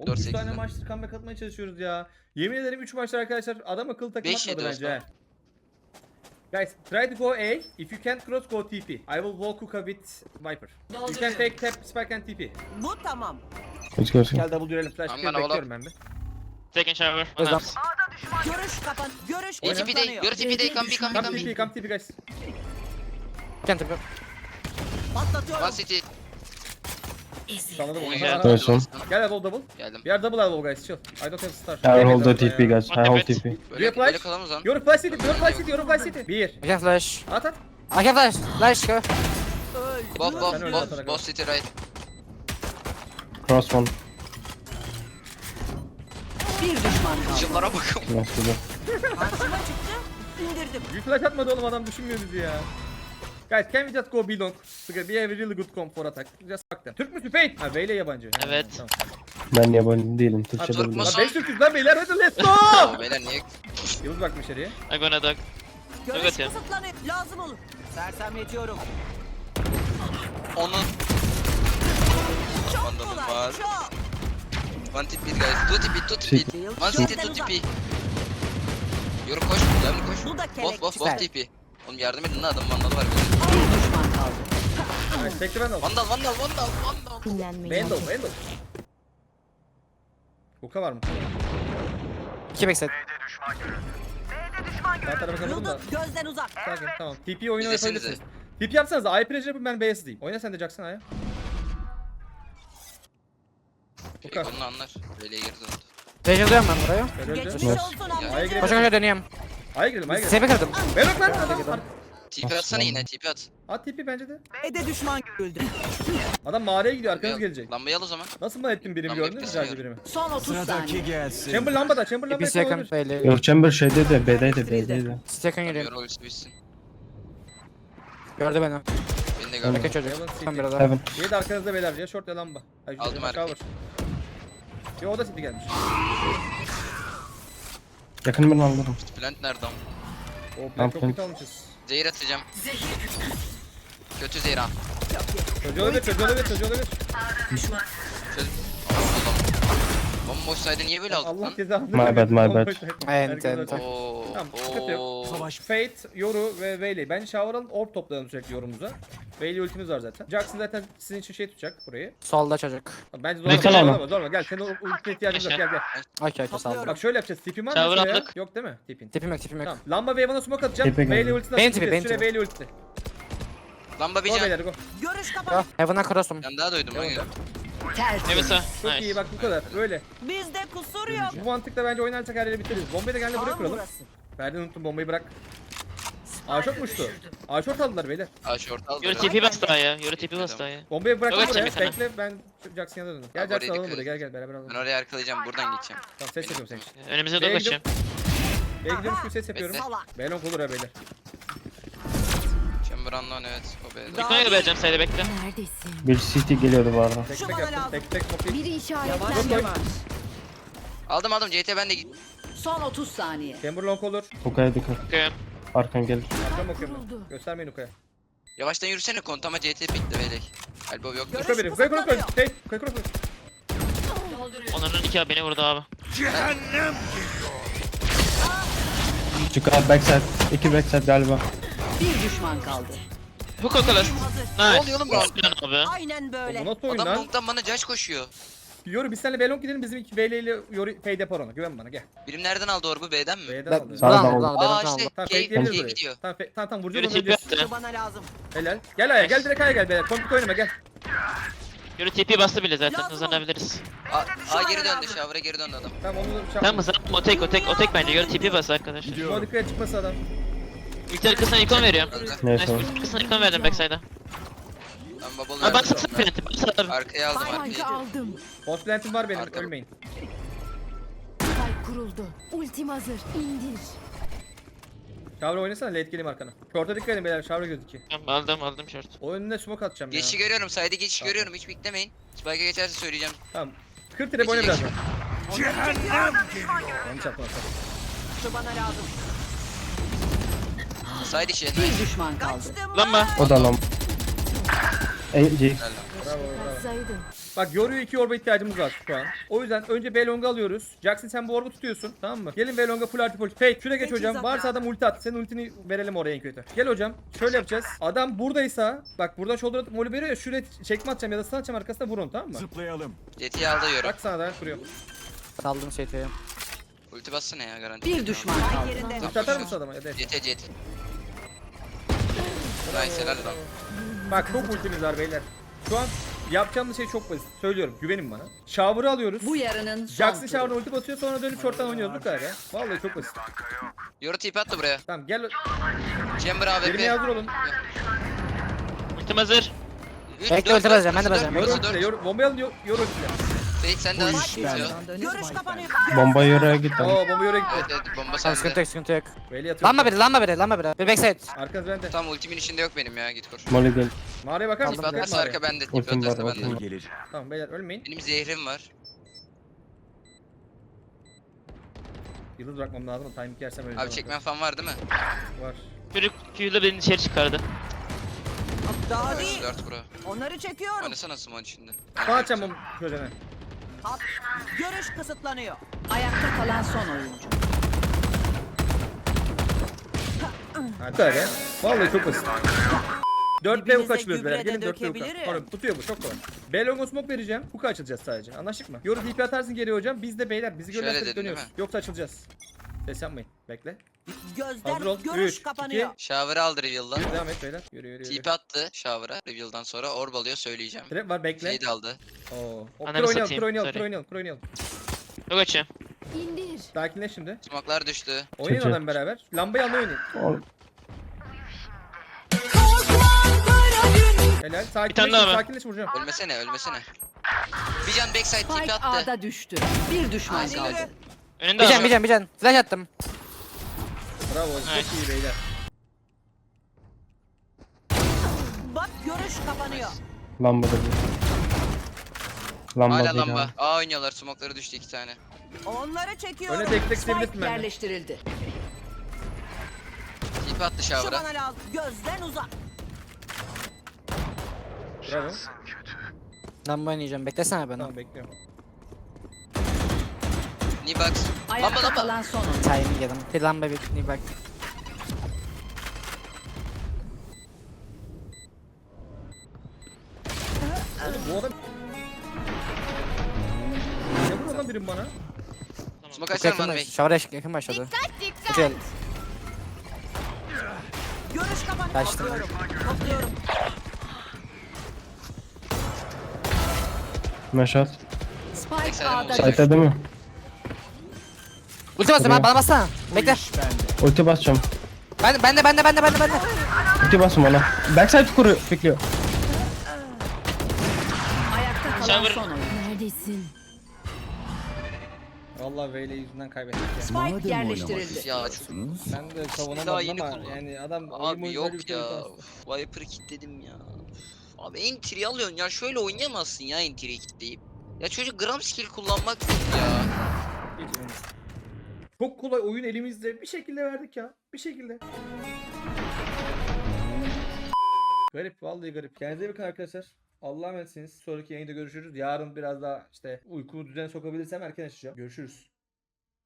4 3 tane 8'den. maçtır comeback atmaya çalışıyoruz ya. Yemin ederim 3 maçtır arkadaşlar adam akıllı takım 5-7 atmadı bence. Osman. he. Guys, try to go A. If you can't cross, go TP. I will walk hookah with Viper. You can take tap, spike and TP. Bu tamam. Let's go. Gel double dürelim. Flash I'm kill gonna bekliyorum ben bir. Taking shower. Yes, Nice. Görüş kapan. Görüş TP day. kısıtlanıyor. Yürü TP day. Come Come B. TP, come TP guys. Can't have Patlatıyorum. One city. Sanırım onu. Gel. Gel Nice one. double. Geldim. We are double elbow guys, chill. I don't have star. I hold the TP guys. I hold TP. Böyle flash? böyle kalamaz lan. You're flash city, you're flash city, you're flash city. 1. I have flash. At at. I have flash. Flash go. Both city right. Cross one. Bir düşman kaldı. Şunlara bakın. Nice good. Karşıma çıktı. İndirdim. Bir flash atmadı oğlum adam düşünmüyor bizi ya. Guys, can we just go B long? Because we have a really good comp for attack. Just fuck them. Türk müsün Fate? Ha Beyle yabancı. Ha, Evet. Tamam. Ben yabancı değilim. Türkçe Türk de biliyorum. musun? Lan 5 Türk'üz lan beyler hadi let's go. Oo, beyler niye? Yıldız bakmış içeriye. I'm gonna dog. Görüş Evet ya. kısıtlanıyor. Lazım olur. Sersemletiyorum. Onun. Çok Vandalım kolay. var. Çok. One TP guys. Two TP. One city two TP. Yürü koş. Devamlı koş. Bu da kelek. Both TP. Oğlum yardım edin lan adam vandalı var böyle. Bir düşman kaldı. Evet, tekli ben de aldım. Vandal. Vandal. Hookah var mı? 2 backside. Sağ tarafa kapadım da. Yıldız gözden uzak. Sakin tamam. TP oyunu İzlesenize. yapabilirsiniz. TP yapsanız da I pressure yapın ben B'ye diyeyim. Oyna sen de Jackson A'ya. Hookah. Onu anlar. Böyle geri döndü. Tecrübeyim ben buraya. Öyle Geçmiş öyle. olsun A'ya amca. girelim. Koşa koşa dönüyorum. A'ya girelim. Sebebi kırdım. Verin lan adam. TP atsana yine TP at. At TP bence de. B'de düşman görüldü. Adam mağaraya gidiyor arkanız gelecek. Lambayı al o zaman. Nasıl mı ettin birimi Lambayı gördün mü kesiyorum. sadece birimi? Son 30 saniye. gelsin. Chamber lambada TP lambada second kalabilir. belli. Yok Chamber şeyde de B'deydi. Second Yürü geliyor. rolüsü bitsin. Gördü beni. Beni de gördüm. Yakın çocuk. Heaven Tam City. biraz daha. Heaven. Yedi arkanızda beyler ya short ya lamba. Ay, Aldım shower. arkayı. Yo o da City gelmiş. Yakın ben alırım. Plant nerede ama? O plan çok Tamam. kötü almışız. Zehir atacağım. Kötü zehir ha. Çocuğu olabilir. Çöz. Bomboş saydı niye böyle aldın Allah lan? cezanı My bad, my bad. Ent. Oo. Tamam, sıkıntı yok. Fate, Yoru ve Veyley. Bence shower alın, orb toplayalım sürekli yorumuza. Veyley ultimiz var zaten. Jackson zaten sizin için şey tutacak burayı. Solda çocuk. Bence Bekle zorlama, lan. Gel senin ultine ihtiyacımız yok, gel. Okey saldım. Bak şöyle yapacağız, tipin var mı Shower şuraya? attık. Yok değil mi tipin? Tipim yok. Tamam, lamba ve Evan'a smoke atacağım. Tipi Veyley geldi. ultisine Benim atacağız. tipi, Şuraya benim Veyley ulti. Lamba bir Go can. beyler go. Görüş Go. kapan. Heaven'a cross'um. Ben daha doydum lan ya. Evet sir. Çok Nice. iyi bak bu kadar, böyle. Bizde kusur yok. Bu mantıkla bence oynarsak her yeri bitiririz. Bombayı da geldi buraya Tam kuralım. burası. Ferdi unuttum bombayı bırak. A-short uçtu. A-short aldılar beyler. Aa short al. Yürü TP bas daha ya. Yürü TP bas daha ya. Bombayı bıraktım Yok, buraya. açayım bir Bekle ben Jackson yanına döndüm. Gel Abi, Jackson oraya alalım dikkat buraya. et. Gel beraber alalım. Ben oraya arkalayacağım buradan geçeceğim. Tamam ses yapıyorum senin için. Önümüze B'ye dog açacağım. B'ye gidiyormuş gibi ses yapıyorum. Salak. Belon olur ha beyler. Chamber unknown evet. O B'de. Yukarıya da vereceğim sayda bekle. Neredesin? Bir CT geliyordu bu arada. Tek Şu tek bana yaptım. lazım. Tek smoke Biri işaretlendi. Yavaş yavaş. Aldım CT ben de git. Son 30 saniye. Chamber long olur. Uka'ya dikkat. Bakıyorum. Arkan gelir. Arkam bakıyorum ben. Kuruldu. Göstermeyin Uka'ya. Yavaştan yürüsene kontama CT pikle beylek. Elbow yok. Görüş Uka biri. Uka'ya kısıtlanıyor. koy. Hey. Uka'ya koy. Onların iki abi beni vurdu abi. Çık abi backside. 2 backside galiba. Bir düşman kaldı. Hook okalas. Ne Nice. oluyor oğlum bu? Lan abi. Aynen böyle. Bu nasıl oyun Adam lan? long'dan bana Josh koşuyor. Yoru biz seninle Belon gidelim. Bizim iki Veyley ile Yoru fade yapar ona. Güven bana gel. Birim nereden aldı orbu B'den mi? B'den Ben- aldı. Sağdan Buradan oldu. buradan. Aa Benim işte aldı. Tamam K fake'leyebiliriz K burayı. gidiyor. Tamam vuracağız Yürü onu TP öleceğiz. attı. Şu bana lazım. Helal. Gel Aya gel direkt Aya gel beyler. Komplik oynama gel. Yürü TP bastı bile zaten Lazım. hızlanabiliriz. A geri döndü shower'a geri döndü adam. Tamam onu Tamam hızlanma o tek bence. Yürü TP bas arkadaşlar. Şu dikkat çıkması adam. İlk arkasına ikon veriyorum. Öldü. Neyse. Nice. İlk arkasına ikon verdim backside'a. Ben bubble Abi bak verdim. satın planeti. Bak satın. Arkaya aldım arkayı. Spike'ı aldım. Boss plant'im var benim Arka- ölmeyin. Spike kuruldu. Ultim hazır. İndir. Şavra oynasana late geleyim arkana. Short'a dikkat edin beyler Şavra gözüküyor. Tamam aldım short. O önüne smoke atacağım ya. Geçişi görüyorum side'e geçiş görüyorum hiç beklemeyin. Spike'a geçerse söyleyeceğim. Tamam. 40 trap oyna Geçecek. birazdan. Yanlış yapma. Şu bana lazım. Side işi. Bir düşman kaldı. Lan be. O da lan. C. Helal lan. Bravo bravo. Katsaydı. Bak Yoru'ya 2 orba ihtiyacımız var şu an. O yüzden önce B long'u alıyoruz. Jackson sen bu orbu tutuyorsun, tamam mı? Gelin B long'a full artı politik. Fake şuraya geç hocam. Varsa adam ulti at. Senin ultini verelim oraya en kötü. Gel hocam. Şöyle yapacağız. Adam buradaysa bak buradan shoulder atıp molly veriyor ya, şuraya çekme atacağım ya da stun atacağım arkasına vurun, tamam mı? Zıplayalım. Yeti'yi aldı Yoru. Bak sana da kuruyor. Saldım CT'ye. Ulti bassana ya garanti. Bir düşman kaldı. Ulti atar mısın adama? Evet. Yeti. Nice helal lan. Bak çok ultimiz var beyler. Şu an yapacağımız şey çok basit. Söylüyorum, güvenin bana. Shower'ı alıyoruz. Bu yarının son Jackson turu. shower'ına ulti basıyor, sonra dönüp short'tan oynuyoruz bu kadar ya. Vallahi çok basit. Yoru tip attı buraya. Tamam gel. Chamber Yerine AWP. hazır olun. Ultim hazır. Bekle, ulti basacağım, ben de basacağım. Yoru Burası ultiyle, 4. yoru. Bombayı alın, yoru ultiyle. Fake sen de az. Görüş kapanıyor. Bomba yürüye git. Oo bomba yoru gitti. Evet bomba Tamam, sıkıntı sende. yok, sıkıntı yok. Veli atıyor. Lamba biri. Bir backside. Arkanız bende. Tamam ultimin içinde yok benim ya git kur. Molly gel. Mağaraya bakar mısın? Tip Dikkat atması mağaraya. arka bende. Tip Ultim var, atması ultim bende. var. Gelecek. Tamam beyler ölmeyin. Benim zehrim var. Yıldız bırakmam lazım. Timing yersem öleceğim. Abi çekmen falan var değil mi? Var. Çocuk Q'yla beni dışarı çıkardı. Daha değil. 4 kuru. Onları çekiyorum. Oynasana Simon içinde. Sana açacağım bomba çözene. Görüş kısıtlanıyor. Ayakta kalan son oyuncu. Hadi. Bu kadar ya. Vallahi çok basit. 4 Dibinize hook açılıyoruz beyler. gübre de Gelin 4 hook. dökebilirim. Sonra tutuyor bu çok kolay. B longo smoke vereceğim. Hook açılacağız sadece. Anlaştık mı? Yoru TP atarsın geriye hocam. Biz de beyler bizi Şöyle görürsek dedin, dönüyoruz. değil mi? Yoksa açılacağız. Ses yapmayın. Bekle. Gözler Hazır ol. görüş 3, kapanıyor. Shower'ı aldı reveal'dan. Devam et beyler. Yürü. TP attı shower'a reveal'dan sonra orb alıyor söyleyeceğim. Trap var bekle. Fade aldı. Oo. Kur Ananı oynayalım, satayım, kur oynayalım, sorry. kur oynayalım, kur oynayalım. Yok açıyorum. İndir. Sakinleş şimdi. Smoke'lar düştü. Oynayın Çek. adam beraber. Lambayı almayı oynayın. Ol- Helal. tane Sakinleş, daha var. sakinleş vuracağım. Ölmesene. Bir can backside TP Spike attı. A'da düştü. Bir düşman Nice, kaldı. helal. Önünde Bir adam. can. Flash attım. Bravo. Çok iyi beyler. Bak görüş kapanıyor. Lamba da bir. Lamba Hala değil lamba. abi. A oynuyorlar. Smoke'ları düştü 2 tane. Onları çekiyorum. Öne tek tek Spike sevebilirsin bence. yerleştirildi. TP attı Şu shower'a. bana lazım. Gözden uzak. Bravo. Lamba oynayacağım. Beklesene beni. Tamam bekliyorum. Nibox. Lamba Ayakta lamba. kalan son oyuncu. Timing yedim. Bir lamba bir bak. Oğlum bu adam... Ne vuruyor lan birim bana? Smoke açsana Yakın bana baş. bey. Şavra yakın başladı. Güzel. Görüş kapanıyor. Kaçtım. Topluyorum. Meşat. Spike Eksen A'da olacak. düştü. Site'de değil mi? Ulti basıyorum bana bassana. Bekle. Ulti basacağım. Ben de. Ulti basın bana. Backside kuru bekliyor. Ayakta kalan Shower. son oyuncu. Neredesin? Vallahi Veyle yüzünden kaybettik ya. Spike yerleştirildi. Ya çok... Ben de Daha savunamadım yeni ama kullandım. yani adam Abi yok bir şey ya. yapamaz. Uf, Viper'ı kilitledim ya. Abi entry alıyorsun ya. Şöyle oynayamazsın ya entry'yi kilitleyip. Ya çocuk gram skill kullanmak yok ya. Hiç önemli. Çok kolay oyun elimizde. Bir şekilde verdik ya. Bir şekilde. Garip vallahi garip. Kendinize iyi bakın arkadaşlar. Allah'a emanetsiniz. Sonraki yayında görüşürüz. Yarın biraz daha işte uykumu düzene sokabilirsem erken açacağım. Görüşürüz.